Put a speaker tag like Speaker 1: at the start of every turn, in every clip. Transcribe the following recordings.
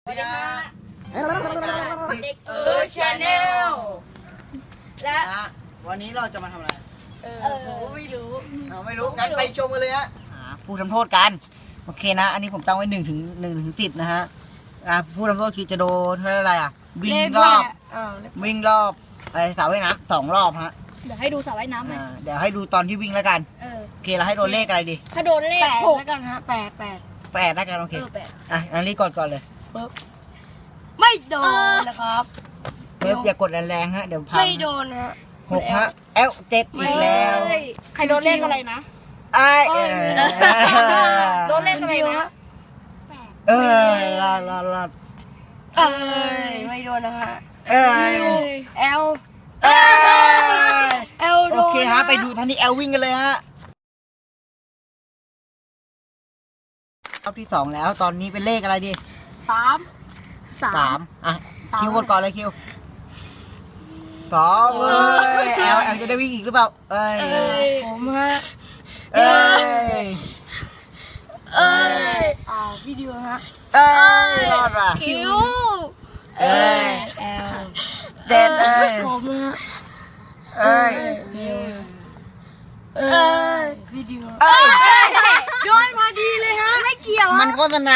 Speaker 1: สวัสดีค่ะ
Speaker 2: เด็ก
Speaker 1: ชาแนลและ
Speaker 2: วันนี้เราจะมาทำอะไร
Speaker 1: ผมไม่รู้
Speaker 2: งั้นไปชมกันเลยฮะผู้ทำโทษกันโอเคนะอันนี้ผมตั้งไว้1 ถึง 10นะฮะผู้ทำโทษคือจะโดนเท่าไรวิ่งรอบสระว่ายน้ำ2 รอบฮะ
Speaker 1: เดี๋ยวให้ดูสระว่ายน้ำไหม
Speaker 2: เดี๋ยวให้ดูตอนที่วิ่งแล้วกันโอเคเราให้โดนเลขอะไรดี
Speaker 1: ถ้าโดนเลข6แล้วกันฮะ8
Speaker 2: แล้วกันโอเคอันนี้ก่อนเลย
Speaker 1: ไม่โดนนะครับ
Speaker 2: อย่ากดแรงๆฮะเดี๋ยวพัง
Speaker 1: ไม่โดนฮะ
Speaker 2: 6ฮะ7อีกแล้ว
Speaker 1: ใครโดนเลขอะไรนะโดนเลขอะไรนะ
Speaker 2: รอด
Speaker 1: ไม่โดนนะฮะ
Speaker 2: เอลโอเคฮะไปดูท่านี้เอลวิ่งกันเลยฮะรอบที่2แล้วตอนนี้เป็นเลขอะไรดี
Speaker 1: 3
Speaker 2: คิวกดก่อนเลยคิว2เอลจะได้วิ่งอีกหรือเปล่า
Speaker 1: ผมฮะวิดีโอฮะ
Speaker 2: รอดว่ะ
Speaker 1: คิว
Speaker 2: เอลเจ็ด
Speaker 1: ผมฮะวิดีโอโดนพอดีเลยฮะไม่เกี่ยว
Speaker 2: มันโฆษณา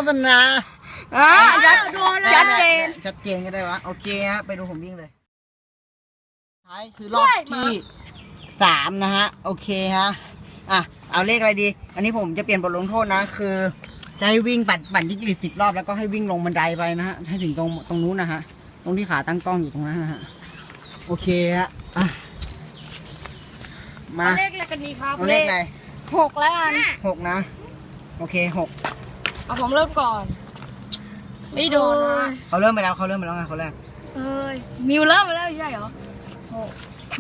Speaker 1: ชัดเจน
Speaker 2: ก็ได้วะโอเคฮะไปดูผมวิ่งเลยท้ายคือรอบที่3นะฮะโอเคฮะเอาเลขอะไรดีอันนี้ผมจะเปลี่ยนบทลงโทษนะคือจะให้วิ่งปั่นยิงกลิด10 รอบแล้วก็ให้วิ่งลงบันไดไปนะฮะให้ถึงตรงนู้นนะฮะตรงที่ขาตั้งกล้องอยู่ตรงนั้นนะฮะโอเคฮะมา
Speaker 1: เลขอะไรกันดีครับ
Speaker 2: เลขอะไร
Speaker 1: 6แล้วกัน
Speaker 2: 6นะโอเค6
Speaker 1: ผมเริ่มก่อนไม่โดนนะ
Speaker 2: เขาเริ่มไปแล้วไงเขาแรก
Speaker 1: มิวเริ่มไปแล้วใช่เหรอ6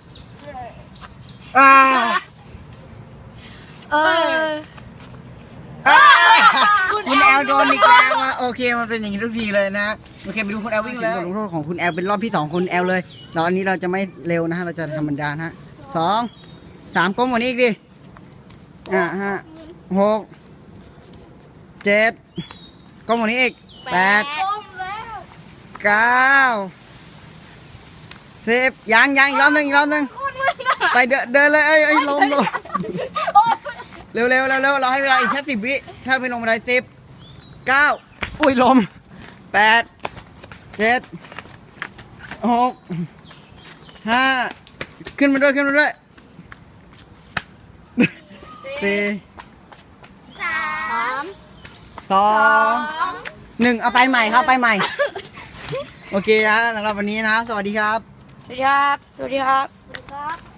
Speaker 2: คุณแอลโดนอีกแล้วโอเคมันเป็นอย่างนี้ทุกทีเลยนะโอเคไปดูคุณแอลวิ่งเลยบทลงโทษของคุณแอลเป็นรอบที่2คุณแอลเลยเราอันนี้เราจะไม่เร็วนะฮะเราจะธรรมดานะฮะ2 3ก้มกว่านี้อีกดิ6 7ก้มกว่านี้อีก8 9 10ยังอีกรอบหนึ่งไปเดินเลยลมเร็วเราให้เวลาอีกแค่10 วิถ้าไปลงบันได10 9อุ้ยลม8 7 6 5ขึ้นมาด้วย4 3 2 1เอาไปใหม่ครับไปใหม่โอเคนะสำหรับวันนี้นะสวัสดีครับ
Speaker 1: สวัสดีครับ